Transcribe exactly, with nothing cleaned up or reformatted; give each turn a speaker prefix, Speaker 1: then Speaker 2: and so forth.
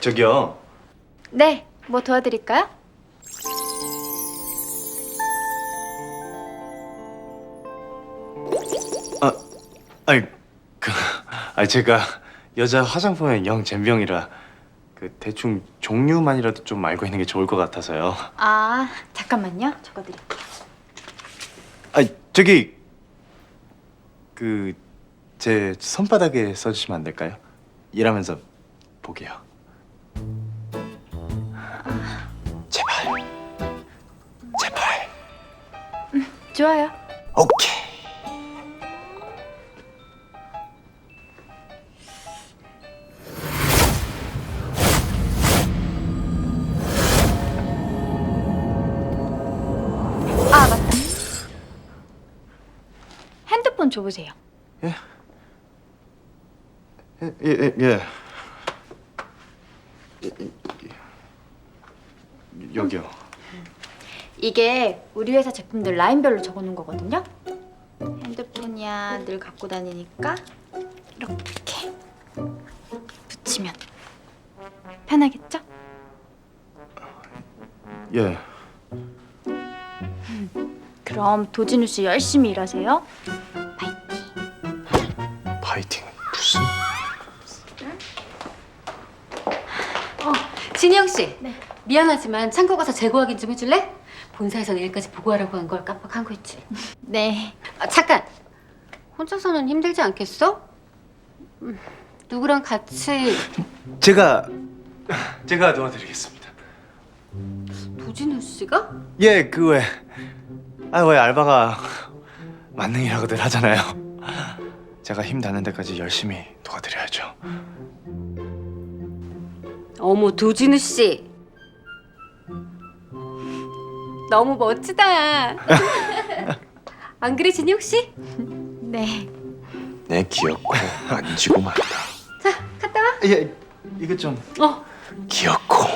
Speaker 1: 저기요.
Speaker 2: 네, 뭐 도와드릴까요?
Speaker 1: 아, 아니 그, 아니 제가 여자 화장품에 영 젬병이라 그 대충 종류만이라도 좀 알고 있는 게 좋을 것 같아서요.
Speaker 2: 아, 잠깐만요. 적어드릴게요.
Speaker 1: 아니 저기 그 제 손바닥에 써주시면 안 될까요? 일하면서 보게요. 제발, 제발.
Speaker 2: 좋아요.
Speaker 1: 오케이.
Speaker 2: 아, 맞다. 핸드폰 줘보세요.
Speaker 1: 예? 예, 예, 예. 예. 예, 예, 예. 여기요.
Speaker 2: 이게 우리 회사 제품들 라인별로 적어놓은 거거든요. 핸드폰이야 늘 갖고 다니니까 이렇게 붙이면 편하겠죠?
Speaker 1: 예.
Speaker 2: 그럼 도진우 씨 열심히 일하세요. 파이팅.
Speaker 1: 파이팅 무슨?
Speaker 3: 어, 진영 씨.
Speaker 2: 네.
Speaker 3: 미안하지만 창고 가서 재고 확인 좀 해줄래? 본사에서 내일까지 보고하라고 한 걸 깜빡한 거 있지.
Speaker 2: 네.
Speaker 3: 아, 잠깐. 혼자서는 힘들지 않겠어? 음, 누구랑 같이
Speaker 1: 제가 제가 도와드리겠습니다.
Speaker 3: 도진우 씨가?
Speaker 1: 예, 그 왜? 아, 왜 알바가 만능이라고들 하잖아요. 제가 힘 닿는 데까지 열심히 도와드려야죠.
Speaker 3: 어머, 도진우 씨. 너무 멋지다. 안 그래, 진영 씨?
Speaker 2: 네.
Speaker 1: 내 기억코 만지고 만다.
Speaker 3: 자, 갔다 와.
Speaker 1: 예, 이거 좀
Speaker 3: 어.
Speaker 1: 기억코.